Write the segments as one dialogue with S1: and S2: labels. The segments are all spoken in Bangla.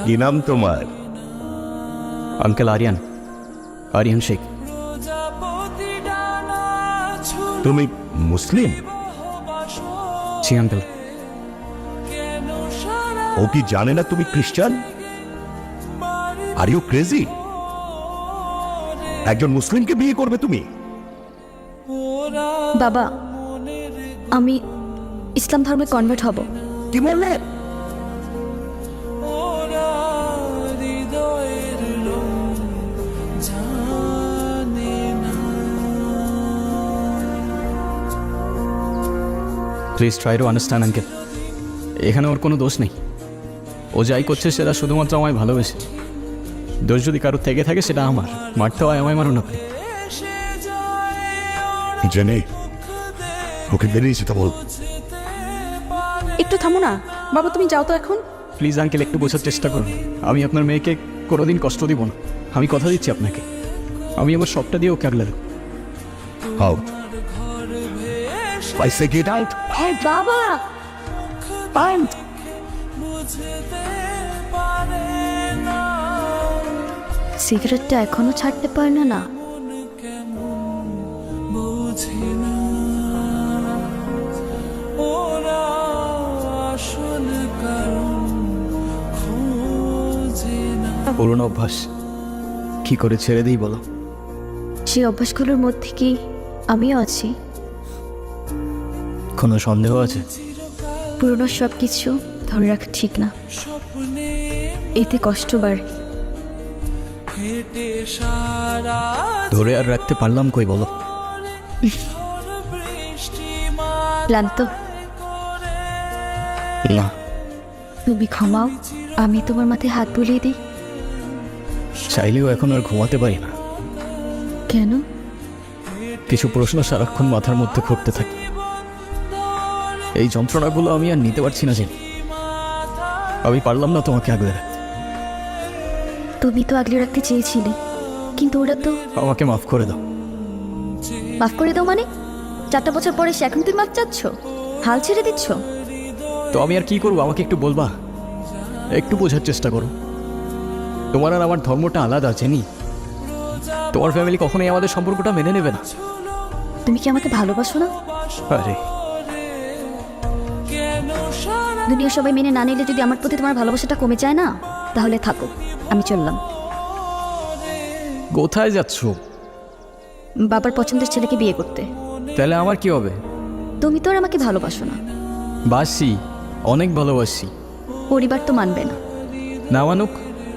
S1: কি নাম তোমার?
S2: আঙ্কেল আরিয়ান, আরিয়ান শেখ।
S1: তুমি মুসলিম?
S2: জি আঙ্কেল।
S1: ও কি জানে না তুমি খ্রিস্টান? Are you crazy? একজন মুসলিমকে বিয়ে করবে তুমি?
S3: বাবা, আমি ইসলাম ধর্মে কনভার্ট হব।
S1: কি বললে?
S2: Please try to understand uncle, এখানে ওর কোনো দোষ নেই। ও যাই করছে সেটা শুধুমাত্র আমায় ভালোবেসে। দোষ যদি কারোর থেকে থাকে সেটা আমার। মারতে হয় আমায়, মারুন আপনি।
S1: জেনে ওকে বেরিয়ে যেতে বল।
S3: একটু থামো না বাবা, তুমি যাও তো এখন।
S2: প্লিজ আঙ্কেল, একটু বোঝার চেষ্টা করুন। আমি আপনার মেয়েকে কোনোদিন কষ্ট দিব না। আমি কথা দিচ্ছি আপনাকে, আমি আমার সবটা দিয়ে ওকে আগলে দেবো।
S1: Out. I say get out.
S3: হ্যাঁ বাবা,
S1: Out.
S3: সিগারেটটা এখনো ছাড়তে পারলো না।
S2: পুরনো অভ্যাস, কি করে ছেড়ে দিই বলো?
S3: সেই অভ্যাসগুলোর মধ্যে কি আমিও আছি?
S2: কোনো সন্দেহ আছে?
S3: পুরনো সব কিছু ধরে রাখা ঠিক না, এতে কষ্ট বাড়ে।
S2: ধরে আর রাখতে পারলাম কই বলো?
S3: ক্লান্ত?
S2: না।
S3: তুমি ঘুমাও, আমি তোমার মাথায় হাত বুলিয়ে দিই।
S2: চাইলেও এখন আর ঘুমাতে পারি না।
S3: কেন?
S2: কিছু প্রশ্ন সারাক্ষণ মাথার মধ্যে ঘুরতে থাকে। এই যন্ত্রণাগুলো আমি আর নিতে পারছি না। আমি পারলাম না তোমাকে আগলে রাখতে।
S3: তুমি তো আগলে রাখতে চেয়েছিলে, কিন্তু ওরা তো।
S2: আমাকে মাফ করে দাও।
S3: মাফ করে দাও মানে? 4টা বছর পরে সে এখন তুমি মাফ চাচ্ছ? হাল ছেড়ে দিচ্ছ?
S2: তো আমি আর কি করবো? আমাকে একটু বলবা? একটু বোঝার চেষ্টা করো। তোমার আর আমার ধর্মটা আলাদা, জেনি। তোমার ফ্যামিলি কখনোই আমাদের সম্পর্কটা মেনে নেবে না।
S3: তুমি কি আমাকে ভালোবাসো না?
S2: আরে
S3: দুনিয়া সবাই মেনে না নিলে যদি আমার প্রতি তোমার ভালোবাসাটা কমে যায় না, তাহলে থাকো, আমি চললাম।
S2: কোথায় যাচ্ছ?
S3: বাবার পছন্দের ছেলেকে বিয়ে করতে।
S2: তাহলে আমার কি হবে?
S3: তুমি তো আর আমাকে ভালোবাসো না।
S2: বাসি, অনেক ভালোবাসি।
S3: পরিবার তো মানবে না।
S2: না মানুক,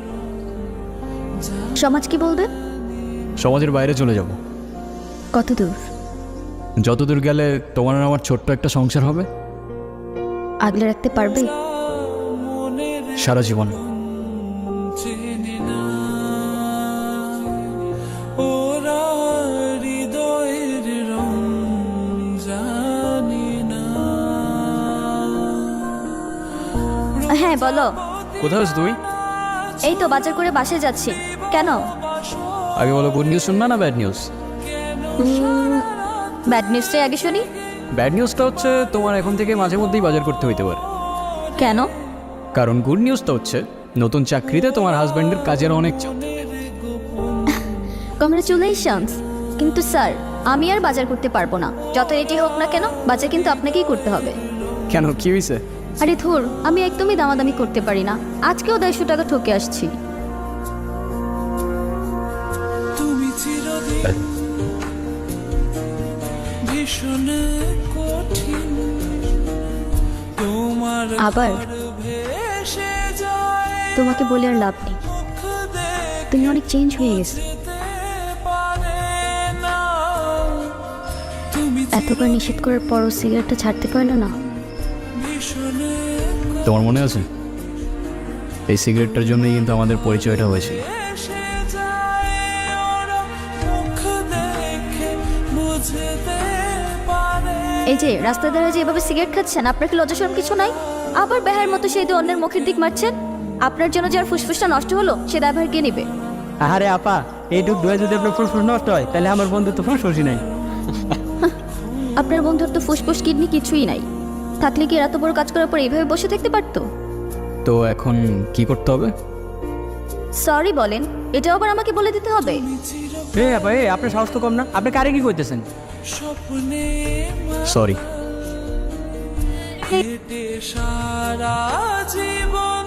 S3: সমাজ কি বলবে?
S2: সমাজের বাইরে চলে যাব।
S3: কত দূর?
S2: যতদূর গেলে তোমার আর আমার ছোট্ট একটা সংসার হবে।
S3: আগলে রাখতে পারবে?
S2: সারা জীবন।
S3: হ্যাঁ বলো।
S2: কোথায় আছো তুই?
S3: এই তো বাজার করে বাসে যাচ্ছি। কেন?
S2: আগে বলো, গুড নিউজ শুনবা না ব্যাড নিউজ?
S3: ব্যাড নিউজটাই আগে শুনি।
S2: ব্যাড নিউজটা হচ্ছে তোমার এখন থেকে মাঝে মধ্যেই বাজার করতে হইতে পারে।
S3: কেন?
S2: কারণ গুড নিউজটা হচ্ছে নতুন চাকরিতে তোমার হাজব্যান্ডের কাজের অনেক চাপ।
S3: কংগ্রাচুলেশনস। কিন্তু স্যার, আমি আর বাজার করতে পারবো না। যত এটি হোক না কেন, বাজার কিন্তু আপনাকেই করতে হবে।
S2: কেন, কি হয়েছে?
S3: আরে ধুর, আমি একদমই দামাদামি করতে পারি না। আজকেও 150 টাকা ঠকে আসছি। আবার তোমাকে বলে আর লাভ নেই, তুমি অনেক চেঞ্জ হয়ে গেছো। এতবার নিষেধ করার পরও সিগারেটটা ছাড়তে পারলো না।
S2: তোমার মনে আছে এই সিগারেটটার জন্যই কিন্তু আমাদের পরিচয়টা হয়েছিল।
S3: এই যে রাস্তায় দাঁড়িয়ে যে এভাবে সিগারেট খাচ্ছেন, আপনার কি লজ্জা শরম কিছু নাই? আবার বেহার মতো সেই দিয়ে অন্যের মুখের দিক মারছেন। আপনার জন্য যার ফুসফুসটা নষ্ট হলো, সে দায়ভার কে নেবে?
S4: আরে আপা, এইটুক ধোয়া যদি আপনার ফুসফুস নষ্ট হয়, তাহলে আমার বন্ধু তো ফুসফুসই নাই।
S3: আপনার বন্ধুর তো ফুসফুস কিডনি কিছুই নাই। থাকলে কি এত বড় কাজ করার পর এইভাবে বসে থাকতে পারতো?
S2: তো এখন কি করতে হবে?
S3: সরি বলেন, এটাও আবার আমাকে বলে দিতে হবে?
S4: এ আপা এ আপনার সাহস তো কম না, আপনি কারে কি করতেছেন?
S2: সরি।
S5: সারা জীবন